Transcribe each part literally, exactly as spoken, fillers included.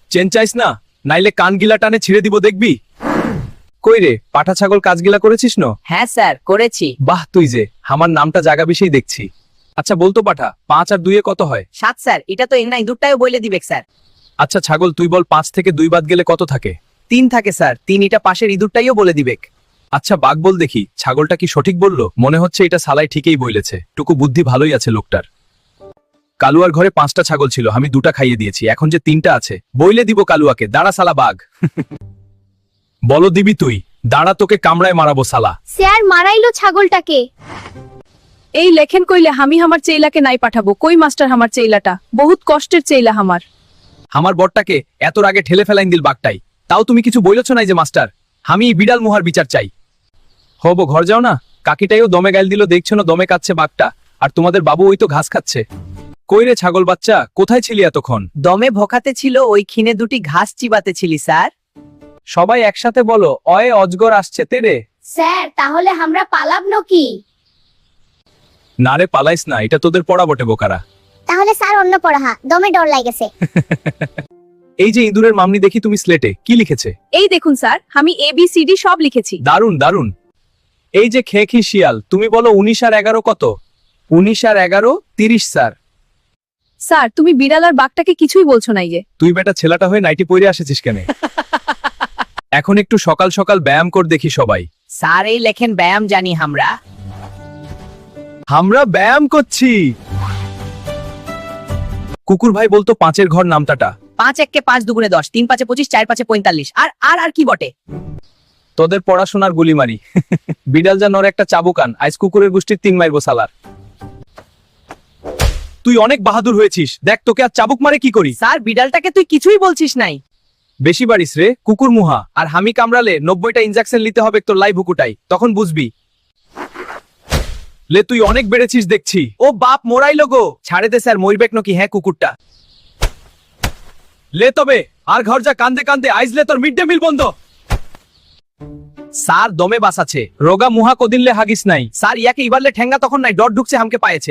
চেঞ্চাইস না, নাইলে কান গিলা টানে ছিঁড়ে দিব দেখবি। কই রে, পাঠা ছাগল কাজগিলা করেছিস ন? হ্যাঁ স্যার করেছি। বাহ, তুই যে আমার নামটা জাগা বিষয় দেখছি। আচ্ছা বলতো পাঠা, পাঁচ আর দুইয়ে কত হয়? সাত স্যার, এটা তো এর নাই দুটাও বলে দিবে স্যার। আচ্ছা ছাগল, তুই বল পাঁচ থেকে দুই বাদ গেলে কত থাকে? তিন থাকে স্যার, তিন এটা পাশের ইঁদুরটাইও বলে দিবে। আচ্ছা বাঘ বল দেখি, ছাগলটা কি সঠিক বললো? মনে হচ্ছে এটা সালাই ঠিকই বলেছে, টুকু বুদ্ধি ভালোই আছে লোকটার। কালুয়ার ঘরে পাঁচটা ছাগল ছিল, আমি দুটা খাইয়ে দিয়েছি, এখন যে তিনটা আছে বইলে দিব কালুয়াকে, দাঁড়া সালা বাঘ। বলো দিবি তুই? দাঁড়া, তোকে কামড়ায় মারাবো সালা। স্যার মারাইলো ছাগলটাকে। এই লেখেন কইলে আমি আমার চেইলাকে নাই পাঠাবো, কই মাস্টার আমার চেইলাটা, বহুত কষ্টের চেইলা আমার। আমার বরটাকে এত আগে ঠেলে ফেলাইন দিল বাঘটাই, তাও তুমি কিছু বইলছ নাই যে মাস্টার? আমি বিড়াল মুহার বিচার চাই। হবো ঘর যাও না, কাকিটাইও দমে গাইল দিল, দেখছো না দমে কাচ্ছে বাঘটা, আর তোমাদের বাবু ওই তো ঘাস খাচ্ছে। কই রে ছাগল বাচ্চা, কোথায় ছিলি এতক্ষণ? দমে ভোকাতে ছিল, ওই খিনে দুটি ঘাস চিবাতে ছিলি স্যার। সবাই একসাথে বলো, অয়ে অজগর আসছে তেরে। স্যার তাহলে আমরা পালাব নাকি? না রে পালাইস না, এটা তোদের পড়া বটে বোকারা। তাহলে স্যার অন্য পড়া, দমে ডর লাগেছে। এই যে ইঁদুরের মামনি, দেখি তুমি স্লেটে কি লিখেছে? এই দেখুন স্যার, আমি এ বি সি ডি সব লিখেছি। দারুন দারুন। এই যে খেখি শিয়াল, তুমি বলো উনিশ আর এগারো কত? উনিশ আর এগারো তিরিশ স্যার। স্যার তুমি বিড়াল আর বাঘটাকে কিছুই বলছো না যে। তুই বেটা ছেলেটা হয়ে নাইটি পরে আসেছিস কেন? এখন একটু সকাল সকাল ব্যায়াম কর দেখি সবাই। স্যার এই লেখেন ব্যায়াম জানি আমরা। আমরা ব্যায়াম করছি। কুকুর ভাই বলতো পাঁচের ঘর নামটাটা। পাঁচ এককে পাঁচ দুগুণে দশ, তিন পাঁচে পঁচিশ, চার পাঁচে পঁয়তাল্লিশ, আর আর আর কি বটে? তোদের পড়াশোনার গুলি মারি। বিড়াল যা নর একটা চাবুকান, আইস কুকুরের গোষ্ঠীর তিন মাইরবো সালার। তুই অনেক বাহাদুর হয়েছিস, দেখ তোকে আর চাবুক মারে কি করি। স্যার বিড়ালটাকে তুই কিছুই বলছিস নাই। বেশি বাড়িস রে কুকুর মুহা, আর হামি কামড়ালে নব্বইটা ইনজেকশন নিতে হবে তোর লাই ভুকুটাই, তখন বুঝবি। লে তুই অনেক বেড়েছিস দেখছি। ও বাপ মোরাইলো গো, ছাড়ে দে স্যার, মরবেক নাকি? হ্যাঁ কুকুরটা লে তবে, আর ঘর যা কান্দে কান্দে, আইজলে তোর মিড ডে মিল বন্ধ। স্যার দমে বাস আছে, রোগা মুহা কদিনলে হাগিস নাই। স্যার ইয়াকে ইবারলে ঠেঙ্গা তখন নাই, ডট ঢুকছে হামকে পায়েছে।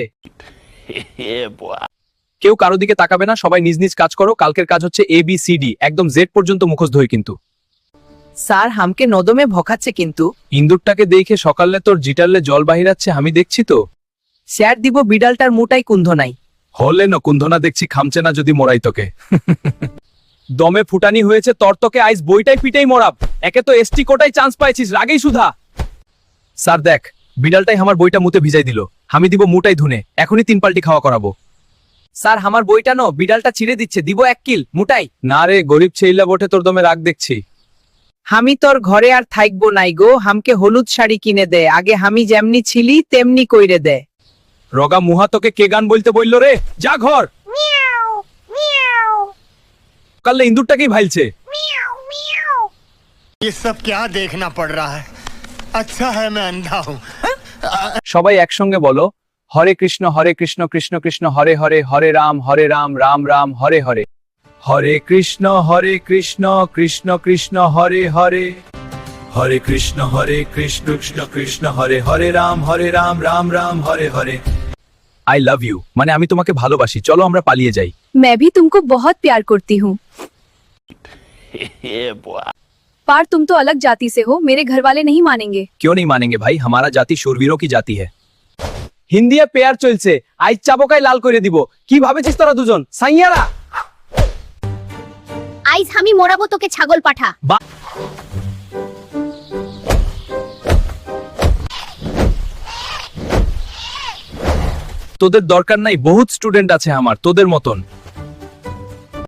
কেউ কারো দিকে তাকাবে না, সবাই নিজ নিজ কাজ করো। কালকের কাজ হচ্ছে এ বি সি ডি, একদম জেড পর্যন্ত মুখস্থ হই কিন্তু। স্যার হামকে নদমে ভোকাচ্ছে কিন্তু। ইন্দুরটাকে দেখে সকালে তোর জিটারলে জল বাহিরাচ্ছে, আমি দেখছি তো। স্যার দিব বিড়ালটার মুটাই কুন্ধ নাই। হলে ন কুন্ধনা দেখছি, খামছে না যদি মোরাই তোকে। দমে ফুটানি হয়েছে তর তোকে, আইস বইটাই পিটাই মরাব। একে তো এসটি কোটাই চান্স পাইছিস, রাগেই সুধা। স্যার দেখ, বিড়ালটাই আমার বইটা মুতে ভিজাই দিল, আমি দিব মুটাই ধুনে, এখনই তিন পাল্টি খাওয়া করাবো। স্যার আমার বইটা নো, বিড়ালটা ছিঁড়ে দিচ্ছে, দিব এক কিল মুটাই। না রে গরিব ছেইলা বটে, তোর দমে রাগ দেখছি। আমি তোর ঘরে আর থাকবো নাই গো, হামকে হলুদ শাড়ি কিনে দে, আগে আমি যেমনি ছিলি তেমনি কইরে দে। রগা মুহা তোকে কে গান বলতে বললো রে? যা ঘর। কাললে ইন্দুরটাকেই ভাইলছে। ये सब क्या देखना पड़ रहा है? अच्छा है मैं अंधा हूँ। সবাই একসঙ্গে বলো, Hare Krishna Hare Krishna Krishna Krishna Hare Hare, Hare Ram Hare Ram Ram Ram Hare Hare. Hare Krishna Hare Krishna Krishna Krishna Hare Hare, Hare Krishna Hare Krishna Krishna Krishna Hare Hare Ram Hare Ram Ram Ram Hare Hare. I love you মানে আমি তোমাকে ভালোবাসি, চলো আমরা পালিয়ে যাই। मैं भी तुमको बहुत प्यार करती हूँ। पर तुम तो अलग जाति से हो, मेरे घर वाले नहीं मानेंगे। क्यों नहीं मानेंगे भाई, हमारा जाति शूरवीरों की जाति है। হিন্দিয়া পেয়ার চলছে, আইজ চাবকাই লাল করে দিব। কি ভাবেছিস তোরা দুজন সাইয়ারা? আইজ আমি মোরাবো তোকে ছাগল পাঠা। তোদের দরকার নাই, বহুত স্টুডেন্ট আছে আমার তোদের মতন।